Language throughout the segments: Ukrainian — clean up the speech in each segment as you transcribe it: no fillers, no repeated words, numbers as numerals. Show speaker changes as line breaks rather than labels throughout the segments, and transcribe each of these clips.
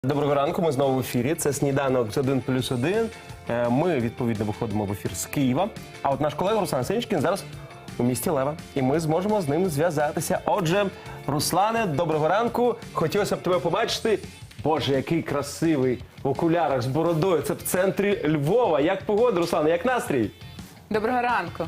Доброго ранку, ми знову в ефірі. Це «Сніданок з 1+1». Ми, відповідно, виходимо в ефір з Києва. А от наш колега Руслан Сенчкін зараз у місті Лева. І ми зможемо з ним зв'язатися. Отже, Руслане, доброго ранку. Хотілося б тебе побачити. Боже, який красивий в окулярах з бородою. Це в центрі Львова. Як погода, Руслане, як настрій?
Доброго ранку.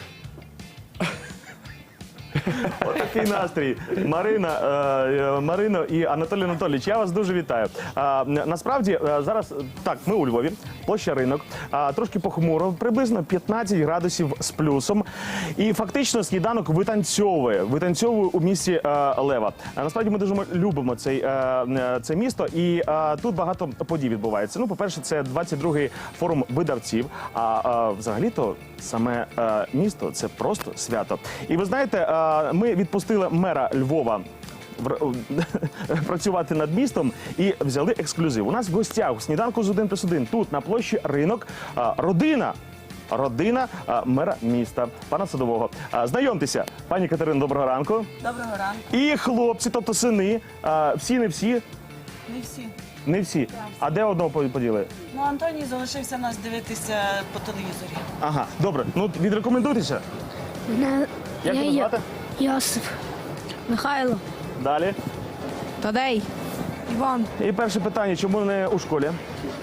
Отакий настрій. Марино і Анатолій Анатолійович, я вас дуже вітаю. Насправді, зараз, так, ми у Львові, площа Ринок, трошки похмуро, приблизно 15 градусів з плюсом. І фактично сніданок витанцьовує у місті Лева. Насправді, ми дуже любимо це місто, і тут багато подій відбувається. Ну, по-перше, це 22-й форум видавців, а взагалі-то саме місто – це просто свято. І ви знаєте, ми відпустили мера Львова працювати над містом і взяли ексклюзив. У нас в гостях у сніданку з 1+1 тут на площі Ринок родина мера міста, пана Садового. Знайомтеся, пані Катерино, доброго ранку.
Доброго ранку.
І хлопці, тобто сини, всі, не всі?
Не всі.
Не всі. А де одного поділи?
Ну, Антоній залишився нас дивитися по телевізорі.
Ага, добре. Ну, відрекомендуйтеся. Як тебе звати?
Йосип. Михайло.
Далі.
Тадей. Іван.
І перше питання, чому не у школі?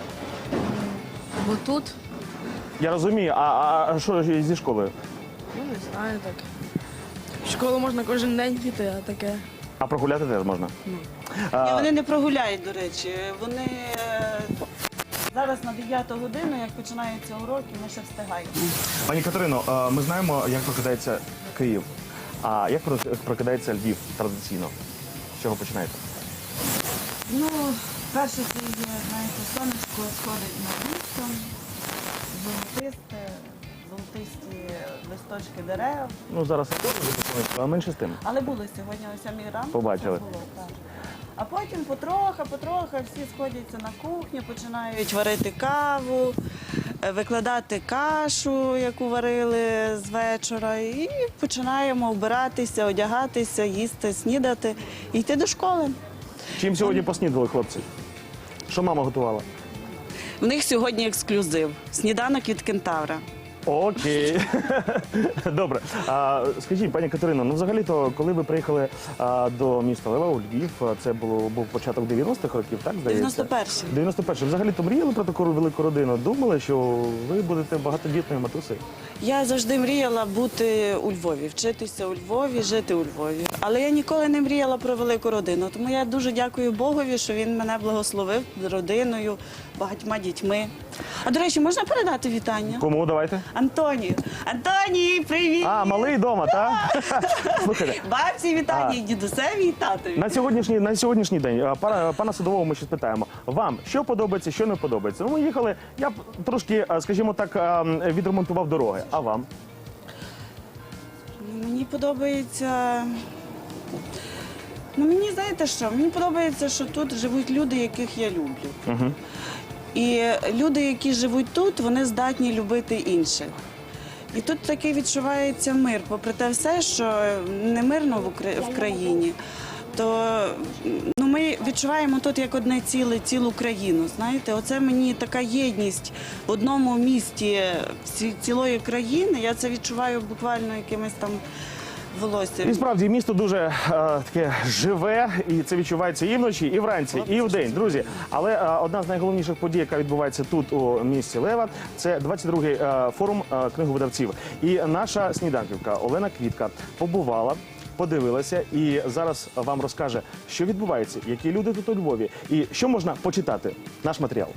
Бо тут?
Я розумію, а що зі школою?
Ну, не знаю так. В школу можна кожен день піти, а таке.
А прогуляти теж можна?
Ні, вони не прогуляють, до речі. Вони зараз на 9 годину, як починаються уроки, ми ще встигаємо.
Пані Катерино, ми знаємо, як прокидається Київ. А як прокидається Львів традиційно? З чого починаєте?
Ну, перше це є, знаєте, сонечко сходить над містом, золотисті листочки дерев.
Ну, зараз а менше з тим.
Але були сьогодні о 7 ранку.
Побачили.
Це було, так. А потім потроха всі сходяться на кухню, починають варити каву, викладати кашу, яку варили з вечора, і починаємо вбиратися, одягатися, їсти, снідати і йти до школи.
Чим сьогодні поснідали, хлопці? Що мама готувала?
В них сьогодні ексклюзив – сніданок від кентавра.
Окей. Добре. Скажіть, пані Катерино, ну взагалі-то, коли ви приїхали до міста Лева, у Львів, це був початок 90-х років, так, здається?
91-й.
91-й. Взагалі-то мріяли про таку велику родину? Думали, що ви будете багатодітною матусею?
Я завжди мріяла бути у Львові, вчитися у Львові, жити у Львові. Але я ніколи не мріяла про велику родину. Тому я дуже дякую Богові, що він мене благословив родиною, багатьма дітьми. А, до речі, можна передати вітання?
Кому? Давайте.
Антонію. Антоній, привіт!
А, малий вдома, так? Слухайте.
Бабці вітання, і дідусеві, і татові.
На сьогоднішній день, пана Садового ми ще спитаємо. Вам що подобається, що не подобається? Ну, ми їхали, я трошки, скажімо так, відремонтував дороги. А вам?
Мені подобається... Ну, мені, знаєте що, мені подобається, що тут живуть люди, яких я люблю.
Угу.
І люди, які живуть тут, вони здатні любити інших. І тут такий відчувається мир. Попри те все, що не мирно в країні, то ми відчуваємо тут як одне ціле, цілу країну. Знаєте, оце мені така єдність в одному місті цілої країни. Я це відчуваю буквально якимось там волоссям.
І справді, місто дуже таке живе, і це відчувається і вночі, і вранці, і вдень, друзі. Але одна з найголовніших подій, яка відбувається тут, у місті Лева, це 22-й форум книговидавців. І наша сніданківка Олена Квітка побувала, подивилася і зараз вам розкаже, що відбувається, які люди тут у Львові і що можна почитати. Наш матеріал.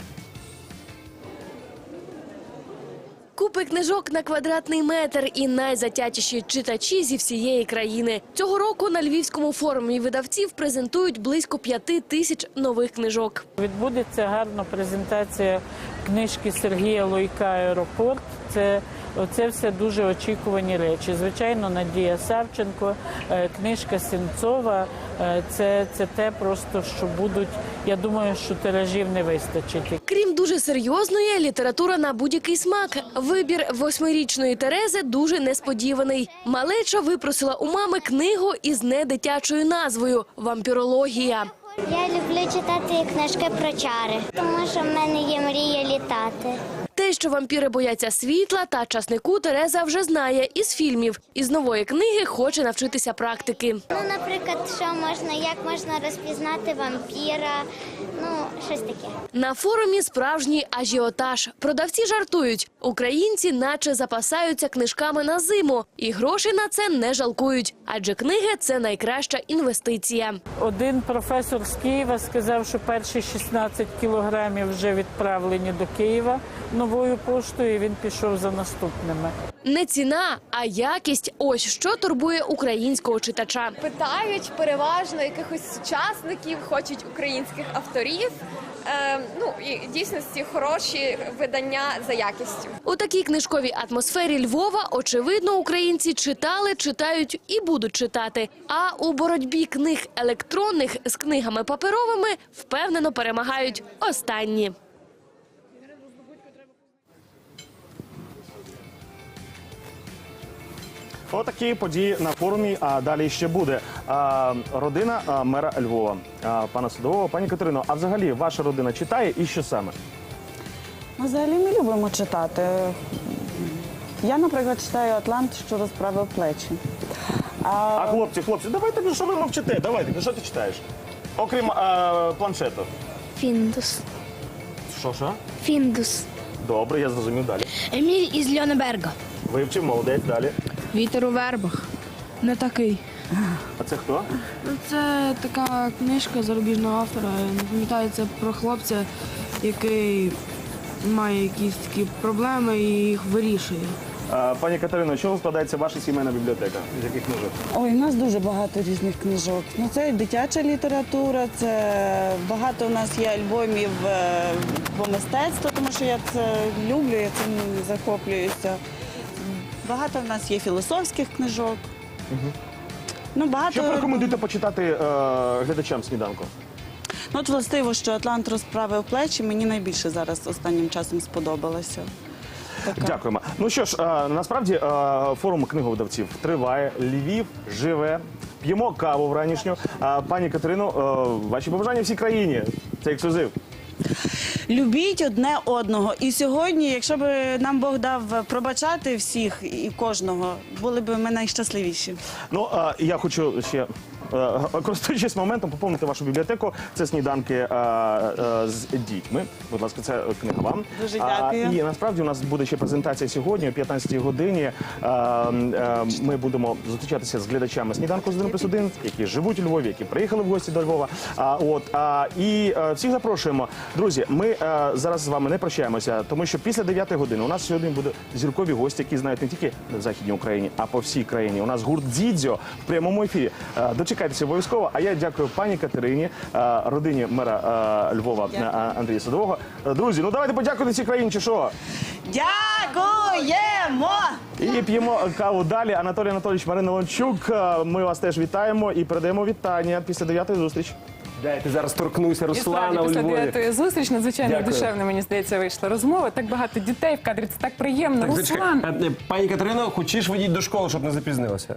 Купи книжок на квадратний метр і найзатятіші читачі зі всієї країни. Цього року на Львівському форумі видавців презентують близько 5000 нових книжок.
Відбудеться гарна презентація книжки Сергія Лойка «Аеропорт». Це все дуже очікувані речі. Звичайно, Надія Савченко, книжка Сенцова – це те просто, що будуть, я думаю, що тиражів не вистачить.
Крім дуже серйозної, література на будь-який смак. Вибір 8-річної Терези дуже несподіваний. Малеча випросила у мами книгу із недитячою назвою «Вампірологія».
Я люблю читати книжки про чари, тому що в мене є мрія літати.
Те, що вампіри бояться світла та часнику, Тереза вже знає із фільмів. Із нової книги хоче навчитися практики.
Ну, наприклад, як можна розпізнати вампіра, щось таке.
На форумі справжній ажіотаж. Продавці жартують. Українці наче запасаються книжками на зиму. І грошей на це не жалкують. Адже книги – це найкраща інвестиція.
Один професор з Києва сказав, що перші 16 кілограмів вже відправлені до Києва новою поштою, і він пішов за наступними.
Не ціна, а якість – ось що турбує українського читача.
Питають переважно якихось сучасників, хочуть українських авторів. І в дійсності хороші видання за якістю.
У такій книжковій атмосфері Львова, очевидно, українці читали, читають і будуть читати. А у боротьбі книг електронних з книгами паперовими впевнено перемагають останні.
Отакі події на форумі, а далі ще буде. Родина мера Львова, пана Садового. Пані Катерино, а взагалі ваша родина читає і що саме?
Ми взагалі не любимо читати. Я, наприклад, читаю «Атлант, що розправив плечі».
А хлопці, давайте, що ви мовчите? Давайте, що ти читаєш? Окрім планшету.
Фіндус.
Що?
Фіндус.
Добре, я зрозумів далі.
Еміль із Льонеберга.
Вивчив, молодець, далі.
Вітер у вербах. Не такий.
А це хто?
Це така книжка зарубіжного автора. Не пам'ятаю, це про хлопця, який має якісь такі проблеми і їх вирішує.
Пані Катерино, з чого складається ваша сімейна бібліотека? З яких книжок?
Ой, у нас дуже багато різних книжок. Це і дитяча література, це багато у нас є альбомів по мистецтву, тому що я це люблю, я цим захоплююся. Багато в нас є філософських книжок. Багато...
Що порекомендуєте почитати глядачам сніданку?
От властиво, що «Атлант розправив плечі» мені найбільше зараз останнім часом сподобалося.
Дякуємо. Ну що ж, насправді форум книговидавців триває. Львів живе. П'ємо каву вранішню. Пані Катерино, ваші побажання всій країні. Це ексклюзив.
Любіть одне одного. І сьогодні, якщо б нам Бог дав пробачати всіх і кожного, були б ми найщасливіші.
Я хочу ще, користуючись моментом, поповнити вашу бібліотеку. Це сніданки з дітьми. Будь ласка, це книга вам.
Дуже дякую.
І насправді у нас буде ще презентація сьогодні о 15-й годині. Ми будемо зустрічатися з глядачами сніданку з 1+1, які живуть у Львові, які приїхали в гості до Львова. І всіх запрошуємо. Друзі, ми зараз з вами не прощаємося, тому що після 9-ї години у нас сьогодні будуть зіркові гості, які знають не тільки в Західній Україні, а по всій країні. У нас гурт «Дзідзьо» в прямому ефірі. Дочекайтеся обов'язково. А я дякую пані Катерині, родині мера Львова Андрія Садового. Друзі, давайте подякуйте цій країні, чи що?
Дякуємо!
І п'ємо каву далі. Анатолій Анатолійович, Марина Лончук, ми вас теж вітаємо і передаємо вітання після 9-ї зустрічі.
Дайте зараз торкнуся
І
Руслана
справді,
у
після
Львові.
9-ї зустріч надзвичайно
Дякую.
душевно, мені здається, вийшла розмова. Так багато дітей в кадрі, це так приємно.
Так,
Руслан,
зачекай. Пані Катерино, хочеш водіть до школи, щоб не запізнилася?